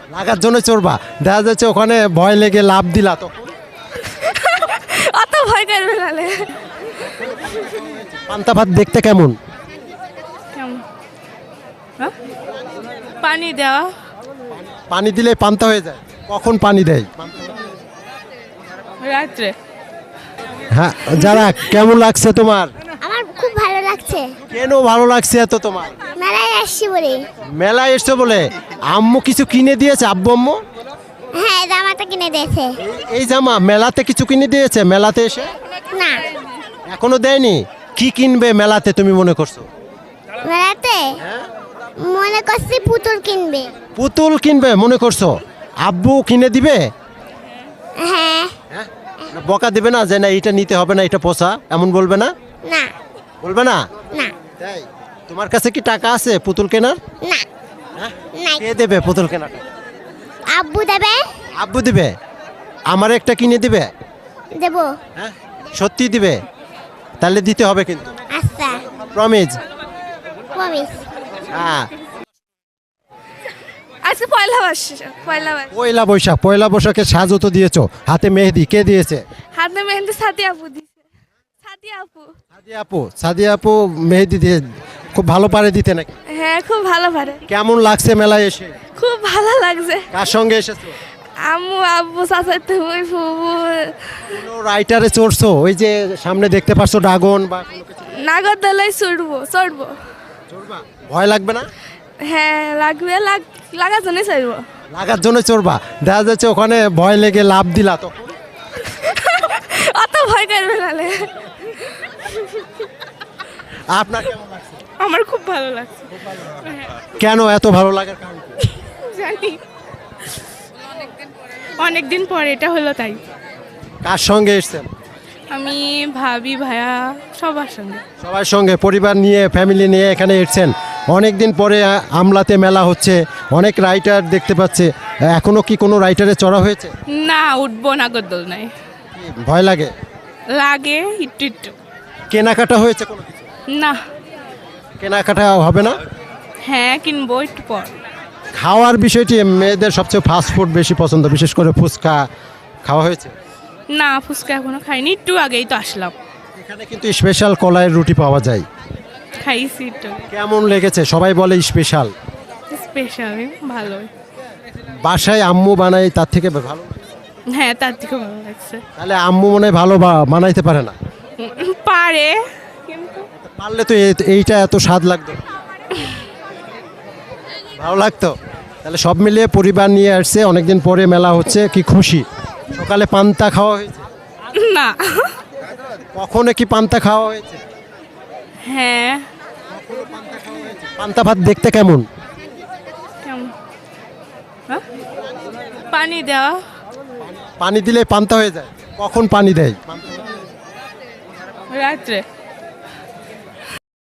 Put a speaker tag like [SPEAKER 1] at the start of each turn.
[SPEAKER 1] লাগার জন্য চড়বা, দেখা যাচ্ছে ওখানে ভয় লেগে লাভ দিলা তো
[SPEAKER 2] অত ভয় করবে নালে।
[SPEAKER 1] পান্তা ভাত দেখতে কেমন?
[SPEAKER 2] কেমন? হ্যাঁ? পানি দেওয়া।
[SPEAKER 1] পানি দিলে পান্তা হয়ে যায়, কখন পানি দেয়?
[SPEAKER 2] রাত্রে।
[SPEAKER 1] হ্যাঁ, যারা কেমন লাগছে তোমার?
[SPEAKER 3] আমার খুব ভালো লাগছে,
[SPEAKER 1] কেন ভালো লাগছে এত তোমার?
[SPEAKER 3] মেলায় আসছি বলে।
[SPEAKER 1] মেলায় এসছো বলে? আম্মু কিছু কিনে দিয়েছে? আব্বু আম্মু
[SPEAKER 3] হ্যাঁ, জামাটা কিনে দিয়েছে।
[SPEAKER 1] এই জামা মেলাতে কিছু কিনে দিয়েছে? মেলাতে এসে
[SPEAKER 3] না,
[SPEAKER 1] এখনো দেয়নি। কি কিনবে মেলাতে তুমি মনে করছো?
[SPEAKER 3] মেলাতে মনে করছি পুতুল কিনবে।
[SPEAKER 1] পুতুল কিনবে মনে করছো? আব্বু কিনে দিবে?
[SPEAKER 3] হ্যাঁ।
[SPEAKER 1] হ্যাঁ, বকা দিবে না যে না এটা নিতে হবে না, এটা পোষা, এমন বলবে না?
[SPEAKER 3] না
[SPEAKER 1] বলবে না?
[SPEAKER 3] না
[SPEAKER 1] তাই? তোমার কাছে কি টাকা আছে পুতুল কেনার?
[SPEAKER 3] না
[SPEAKER 1] হ্যাঁ?
[SPEAKER 3] নাই।
[SPEAKER 1] কে দেবে পুতুল কেনার টাকা?
[SPEAKER 3] আব্বু দেবে।
[SPEAKER 1] আব্বু দিবে? আমার একটা কিনে দিবে?
[SPEAKER 3] দেবো।
[SPEAKER 1] হ্যাঁ, সত্যি দিবে? তাহলে দিতে হবে কিন্তু,
[SPEAKER 3] আচ্ছা,
[SPEAKER 1] প্রমিস।
[SPEAKER 3] প্রমিস।
[SPEAKER 1] হ্যাঁ,
[SPEAKER 2] আজকে পয়লা বৈশাখ। পয়লা বৈশাখ।
[SPEAKER 1] পয়লা বৈশাখ। পয়লা বৈশাখে সাজও তো দিয়েছো, হাতে মেহেদি কে দিয়েছে?
[SPEAKER 2] হাতে মেহেন্দি সাথী আপু দিছে। সাথী আপু।
[SPEAKER 1] সাদিয়া আপু মেহেদি দিয়ে খুব ভালো পারে দিতে নাকি?
[SPEAKER 2] হ্যাঁ, খুব ভালো পারে।
[SPEAKER 1] কেমন লাগছে মেলায় এসে?
[SPEAKER 2] খুব ভালো লাগছে।
[SPEAKER 1] কার সঙ্গে এসেছো?
[SPEAKER 2] আম্মু আব্বু চাচাতো ওই ফুবু।
[SPEAKER 1] কোনো রাইটারে চড়ছো? ওই যে সামনে দেখতে পাচ্ছ ড্রাগন বা কোনো কিছু?
[SPEAKER 2] নাগরদোলায় চড়বো।
[SPEAKER 1] চড়বা? ভয় লাগবে না?
[SPEAKER 2] হ্যাঁ, লাগবে। লাগার জন্যই চড়বো।
[SPEAKER 1] লাগার জন্য চড়বা, দেখা যাচ্ছে ওখানে ভয় লেগে লাভ দিলা তো
[SPEAKER 2] অত ভয় করবে নালে।
[SPEAKER 1] আপনার কেমন লাগছে?
[SPEAKER 2] আমার খুব ভালো লাগছে।
[SPEAKER 1] কেন এত ভালো লাগার কারণ কি?
[SPEAKER 2] জানি অনেকদিন পরে এটা হলো তাই।
[SPEAKER 1] কার সঙ্গে এসছেন?
[SPEAKER 2] আমি ভাবি ভাইয়া সবার সঙ্গে।
[SPEAKER 1] সবার সঙ্গে, পরিবার নিয়ে, ফ্যামিলি নিয়ে এখানে এসছেন। অনেক দিন পরে আমলাতে মেলা হচ্ছে, অনেক রাইটার দেখতে পাচ্ছে। এখনো কি কোনো রাইটারে চড়া হয়েছে?
[SPEAKER 2] না, উঠবো নাগরদোল নাই।
[SPEAKER 1] ভয় লাগে?
[SPEAKER 2] লাগে একটু একটু।
[SPEAKER 1] কেনাকাটা হয়েছে কোনো কিছু?
[SPEAKER 2] না।
[SPEAKER 1] কেনাকাটা হবে না?
[SPEAKER 2] হ্যাঁ, কিনবো একটু পর।
[SPEAKER 1] খাওয়ার বিষয়টি মেয়েদের সবচেয়ে ফাস্ট ফুড বেশি পছন্দ, বিশেষ করে ফুচকা খাওয়া হয়েছে?
[SPEAKER 2] না, ফুচকা এখনো খাইনি, একটু আগেই তো আসলাম।
[SPEAKER 1] এখানে কিন্তু স্পেশাল কলাইয়ের রুটি পাওয়া যায়।
[SPEAKER 2] খাইছি একটু।
[SPEAKER 1] কেমন লেগেছে? সবাই বলে স্পেশাল।
[SPEAKER 2] স্পেশাল, ভালো।
[SPEAKER 1] বাসায় আম্মু বানাই তার থেকে ভালো?
[SPEAKER 2] হ্যাঁ, তার থেকে ভালো লাগছে।
[SPEAKER 1] তাহলে আম্মু মনে হয় ভালো বানাইতে পারে না?
[SPEAKER 2] পারে কিন্তু
[SPEAKER 1] পারলে তো এইটা এত স্বাদ লাগতো, ভালো লাগতো। তাহলে সব মিলিয়ে পরিবার নিয়ে আসছে, অনেকদিন পরে মেলা হচ্ছে, কি খুশি? সকালে পান্তা খাওয়া হয়েছে?
[SPEAKER 2] না।
[SPEAKER 1] কখনো কি পান্তা খাওয়া হয়েছে?
[SPEAKER 2] হ্যাঁ।
[SPEAKER 1] পান্তা ভাত দেখতে কেমন?
[SPEAKER 2] কেমন? হ্যাঁ? পানি দেওয়া।
[SPEAKER 1] পানি দিলে পান্তা হয়ে যায়, কখন পানি দেয়?
[SPEAKER 2] রাত্রে।